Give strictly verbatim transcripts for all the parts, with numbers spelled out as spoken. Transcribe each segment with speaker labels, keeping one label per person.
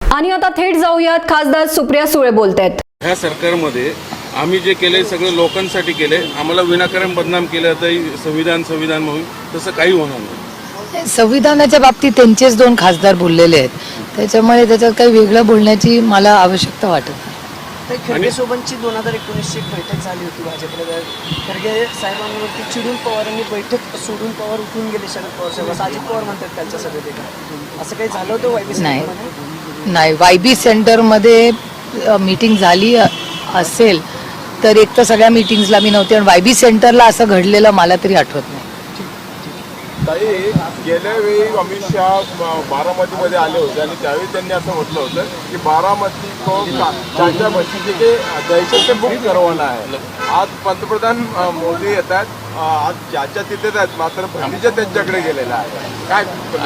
Speaker 1: आणि आता थेट जाऊयात, खासदार सुप्रिया सुळे बोलतायत।
Speaker 2: ह्या सरकारमध्ये आम्ही जे केले सगळं लोकांसाठी केले, आम्हाला विनाकारण बदनाम केलं तर संविधान संविधान म्हणून तसं काही होणार नाही।
Speaker 3: संविधानाच्या बाबतीत त्यांचेच दोन खासदार बोललेले आहेत, त्याच्यामुळे त्याच्यात काही वेगळं बोलण्याची मला आवश्यकता वाटत नाही।
Speaker 4: खरगे सोबतची दोन हजार एकोणीसची बैठक झाली होती भाजपला। खरगे साहेबांवरती चिडून पवारांनी बैठक सोडून पवार उठून गेले शरद पवार साहेब, असं अजित पवार म्हणतात त्यांच्या सभेत। असं काही झालं होतं वायबी
Speaker 3: नाही नाही वायबी सेंटरमध्ये मीटिंग झाली असेल तर एक तर सगळ्या मीटिंग्सला मी नव्हते, आणि वायबी सेंटरला असं घडलेलं मला तरी आठवत नाही।
Speaker 5: ताई, गेल्या वेळी अमित शहा बारामतीमध्ये आले होते आणि त्यावेळी त्यांनी असं म्हटलं होतं की बारामती को चाचा बच्ची के दहशत से मुक्त करवाना आहे। आज पंतप्रधान मोदी येतात, आज चाचा तिथेच आहेत, मात्र भतीजा त्यांच्याकडे गेलेला आहे। काय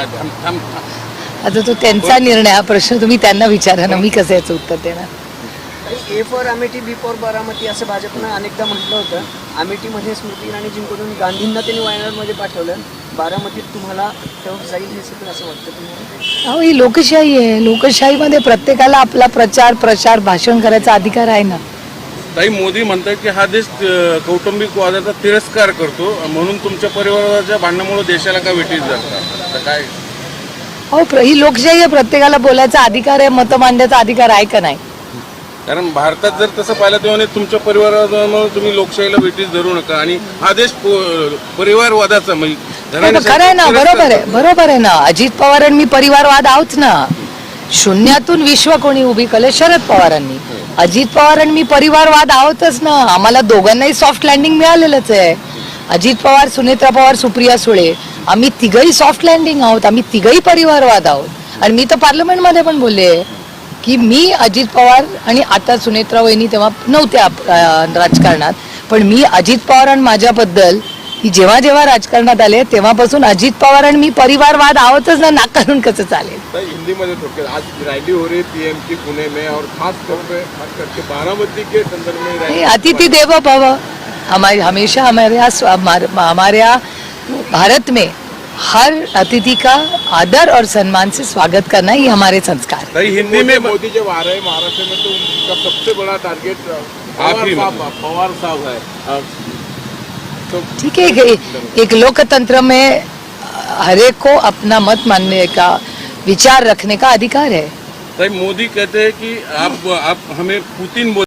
Speaker 3: आता तो त्यांचा निर्णय, हा प्रश्न तुम्ही त्यांना विचारा ना, मी कसं याचं उत्तर देणार।
Speaker 4: A for Amethi, B for Baramati असं भाजपनं अनेकदा म्हटलं होतं। अमेठीमध्ये स्मृती इराणी जिंकून गांधींना त्यांनी वायनाडमध्ये पाठवलं, बारामतीत तुम्हाला तेव्हा जाईल हे सगळं असं वाटतं तुम्हाला?
Speaker 3: अहो, ही लोकशाही आहे, लोकशाहीमध्ये प्रत्येकाला आपला प्रचार प्रसार भाषण करायचा अधिकार आहे ना।
Speaker 2: ताई, मोदी म्हणतात की हा देश कौटुंबिक वादाचा तिरस्कार करतो, म्हणून तुमच्या परिवाराच्या भांडणामुळे देशाला का वेठीस जातात, तर काय?
Speaker 3: हो, ही लोकशाही आहे, प्रत्येकाला बोलायचा अधिकार आहे, मत मांडण्याचा अधिकार आहे का नाही?
Speaker 2: कारण भारतात जर तसं पाहिलं तेव्हा तुमच्या परिवारामुळे तुम्ही लोकशाहीला वेठीस धरू नका, आणि हा देश परिवारवादाचा म्हणजे
Speaker 3: खरं आहे ना, बरोबर आहे, बरोबर आहे ना। अजित पवारांनी मी परिवारवाद आहोत ना, शून्यातून विश्व कोणी उभी केलं? शरद पवारांनी। अजित पवारांनी मी परिवारवाद आहोतच ना, आम्हाला दोघांनाही सॉफ्ट लँडिंग मिळालेलंच आहे। अजित पवार, सुनेत्रा पवार, सुप्रिया सुळे, आम्ही तिघही सॉफ्ट लँडिंग आहोत, आम्ही तिघही परिवारवाद आहोत। आणि मी तर पार्लमेंटमध्ये पण बोलले की मी अजित पवार, आणि आता सुनेत्रा वहिनी तेव्हा नव्हत्या राजकारणात, पण मी अजित पवार आणि माझ्याबद्दल की जेव्हा जेव्हा राजकारणात आले तेव्हापासून अजित पवार आणि मी परिवारवाद आहोतच ना, नाकारून कसं चालेल?
Speaker 5: हिंदी में थोड़े आज रैली हो रही पीएम की पुणे में, और खास तौर पे खास करके बारामती के संदर्भ में रैली।
Speaker 3: अतिथि देवो भव, हमारे हमेशा हमारे हमारे भारत में हर अतिथि का आदर और सम्मान से स्वागत करना ही हमारे संस्कार है।
Speaker 5: हिंदी में मोदी जब आ रहे हैं महाराष्ट्र में तो उनका सबसे बड़ा टारगेट पवार साहब है। तो
Speaker 3: ठीक है, एक लोकतंत्र में हर एक को अपना मत मानने का, विचार रखने का अधिकार है।
Speaker 2: ताई, मोदी कहते हैं कि आप आप हमें पुतिन